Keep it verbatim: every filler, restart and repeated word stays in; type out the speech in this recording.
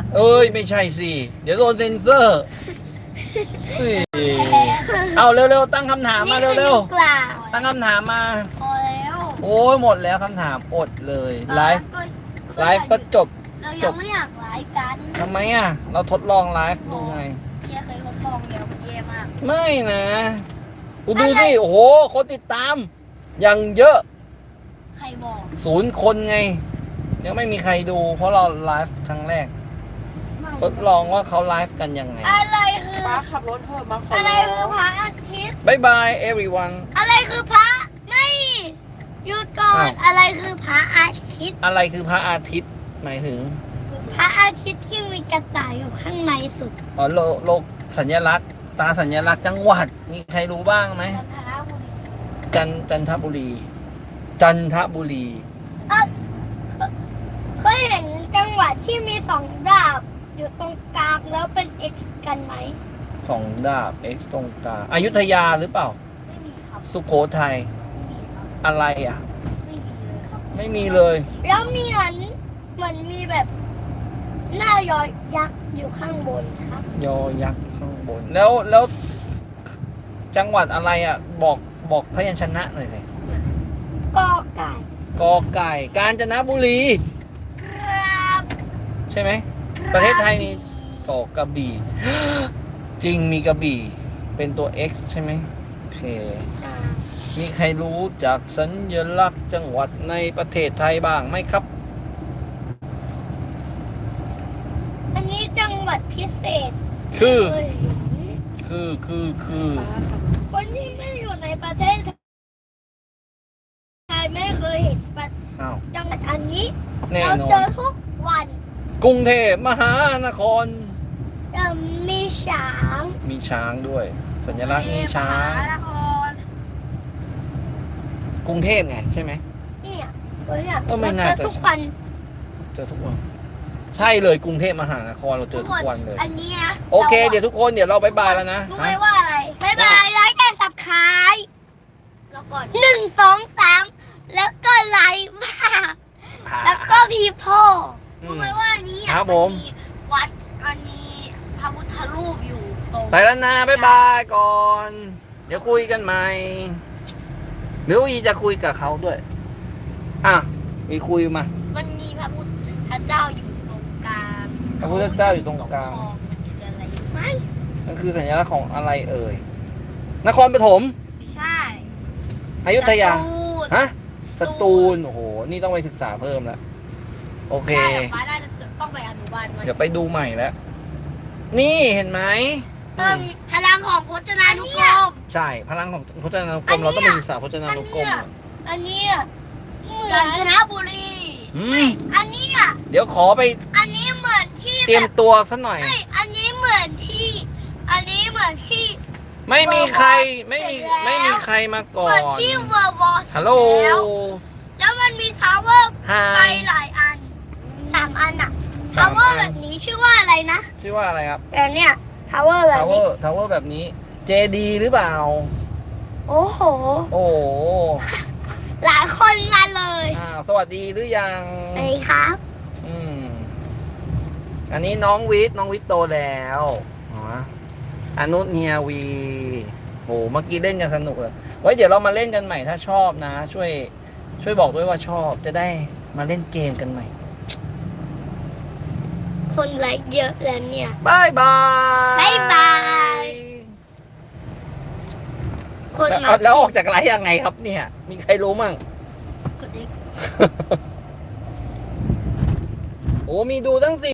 เอ้ยไม่ใช่สิเดี๋ยวโดนเซ็นเซอร์เอาเร็วๆตั้งคำถามมาเร็วๆตั้งคำถามมาพอแล้วโอ้ยหมดแล้วคำถามอดเลยไลฟ์ไลฟ์ก็จบเรายังไม่อยากไลฟ์กันทำไมอ่ะเราทดลองไลฟ์ดูไงเฮียเคยทดลองเดียวเย่มากไม่นะกูดูสิโอ้โหคนติดตามยังเยอะใครบอกศูนย์คนไงยังไม่มีใครดูเพราะเราไลฟ์ครั้งแรกทดลองว่าเขาไลฟ์กันยังไงอะไรคือป้าขับรถเถอะมาขออะไรคือพระอาทิตย์บายบาย everyone อะไรคือพระไม่หยุดก่อนอะไรคือพระอาทิตย์อะไรคือพระอาทิตย์หมายถึงพระอาทิตย์ที่มีกระต่ายอยู่ข้างในสุดอ๋อโลโลกสัญลักษณ์ตาสัญลักษณ์จังหวัดมีใครรู้บ้างไหมจันจันทบุรีจันทบุรีเคยเห็นจังหวัดที่มีสองดาบอยู่ตรงกลางแล้วเป็น X กันไหมสองดาบ X ตรงกลางอยุธยาหรือเปล่าไม่มีครับสุโขทัยไม่มีครับอะไรอ่ะไม่มีเลยครับไม่มีเลยแล้วมีเหมือนเหมือนมีแบบหน้ายอยักษ์อยู่ข้างบนครับยอยักษ์ข้างบนแล้วแล้วจังหวัดอะไรอ่ะบอกบอกพยัญชนะหน่อยสิกอไก่กอไก่กาญจนบุรีครับใช่ไหมประเทศไทยมีเกาะกระบี่จริงมีกระบี่เป็นตัว X ใช่ไหมโอเคมีใครรู้จากสัญลักษณ์จังหวัดในประเทศไทยบ้างไหมครับอันนี้จังหวัดพิเศษคือคือคือคือคนที่ไม่อยู่ในประเทศไทยไม่เคยเห็นจังหวัดอันนี้เราเจอทุกวันกรุงเทพมหานครมีช้างมีช้างด้วยสัญลักษณ์มีช้างกรุงเทพไงใช่ไหมเนี่ยเนี่ยก็ไม่น่าจะทุกวันเจอทุกวันใช่เลยกรุงเทพมหานครเราเจอทุกวันเลยอันนี้โอเคเดี๋ยวทุกคนเดี๋ยวเราบายบายแล้วนะรู้ไหมว่าอะไรบายบายไลค์กันสับขายแล้วก่อนหนึ่งสองสามแล้วก็ไลค์มากแล้วก็พีโพรู้ไหมว่านี้ครับผมวัดมันมีพระพุทธรูปอยู่ตรงไปแล้วนะบายบายก่อนเดี๋ยวคุยกันใหม่เดี๋ยววีจะคุยกับเขาด้วยอ่ะวีคุยมามันมีพระพุทธเจ้าอยู่ตรงกลางพระพุทธเจ้าอยู่ตรงกลางมันคือสัญลักษณ์ของอะไรเอ่ยนครปฐมไม่ใช่อยุธยาฮะสตูลโอ้โหนี่ต้องไปศึกษาเพิ่มแล้วโอเคใช่ป้าน่าจะต้องไปอนุบาลเดี๋ยวไปดูใหม่แล้วนี่เห็นไหมพลังของพจนานุกรมใช่พลังของพจนานุกรมเราต้องไปศึกษาพจนานุกรมอันนี้กาญจนบุรีอันนี้อ่ะเดี๋ยวขอไปอันนี้เหมือนที่เตรียมตัวสักหน่อยอันนี้เหมือนที่อันนี้เหมือนที่ไม่มีใครไม่มีไม่มีใครมาก่อนเหมือนที่เวอร์วอลฮัลโหลแล้วมันมีทาวเวอร์ไปหลายอันสามอันอ่ะทาวเวอร์แบบนี้ชื่อว่าอะไรนะชื่อว่าอะไรครับแบบเนี้ยทาวเวอร์แบบนี้ทาวเวอร์แบบนี้เจดีหรือเปล่าโอ้โหโอ้หลายคนมาเลยอ่าสวัสดีหรือยังสวัสดีครับอืมอันนี้น้องวิทย์น้องวิทย์โตแล้วอ๋ออนุเนียวีโหเมื่อกี้เล่นกันสนุกเลยไว้เดี๋ยวเรามาเล่นกันใหม่ถ้าชอบนะช่วยช่วยบอกด้วยว่าชอบจะได้มาเล่นเกมกันใหม่คนไลค์เยอะแล้วเนี่ยบายบายบายบายคนแล้วออกจากไลค์ยังไงครับเนี่ยมีใครรู้มั่งกดอีกโอ้มีดูตั้งสิ